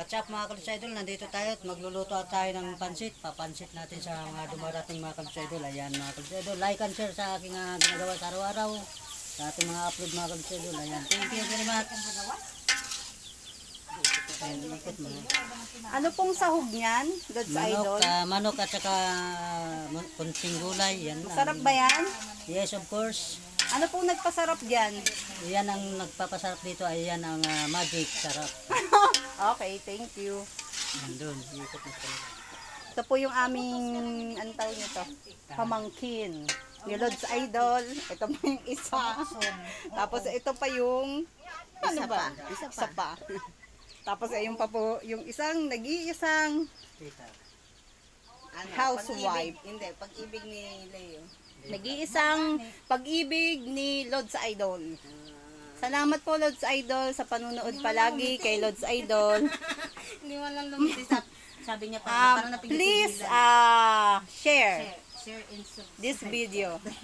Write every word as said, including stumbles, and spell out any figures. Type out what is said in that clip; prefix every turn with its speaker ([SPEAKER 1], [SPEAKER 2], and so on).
[SPEAKER 1] What's up mga Kalodsa Idol? Nandito tayo at magluluto tayo ng pansit. Papansit natin sa mga dumarating mga Kalodsa Idol. Ayan mga Kalodsa Idol. Like and share sa aking uh, ginagawa sa araw-araw. Sa ating mga upload mga Kalodsa Idol. Ayan. Thank you very much. Ayan, ikot mo.
[SPEAKER 2] Ano pong sahog niyan, Lods
[SPEAKER 1] Manok,
[SPEAKER 2] Idol?
[SPEAKER 1] uh, manok at saka uh, kunting gulay. Yan.
[SPEAKER 2] Masarap ba yan?
[SPEAKER 1] Yes, of course.
[SPEAKER 2] Ano pong nagpasarap diyan?
[SPEAKER 1] Yan ang nagpapasarap dito. Ayan ang uh, magic sarap.
[SPEAKER 2] Okay, thank you.
[SPEAKER 1] Nandun. Ikot mo sa
[SPEAKER 2] Ito po yung aming, ano tawag nito? Pamangkin. Ni Lods Idol. Ito po yung isa. Tapos ito pa yung, ano ba? Isa pa. Tapos ayun pa po, yung isang, nag-iisang
[SPEAKER 1] tita.
[SPEAKER 3] Ano,
[SPEAKER 2] housewife.
[SPEAKER 3] Pag-ibig, hindi, pag-ibig ni Leo.
[SPEAKER 2] Nag-iisang pag-ibig ni Lods Idol. Salamat po Lods Idol sa panunood palagi kay Lods Idol.
[SPEAKER 3] Hindi mo lang lumiti sa, sabi niya pa,
[SPEAKER 2] Um,
[SPEAKER 3] parang napinipili
[SPEAKER 2] please
[SPEAKER 3] lang.
[SPEAKER 2] uh, share
[SPEAKER 3] Share and subscribe.
[SPEAKER 2] this video.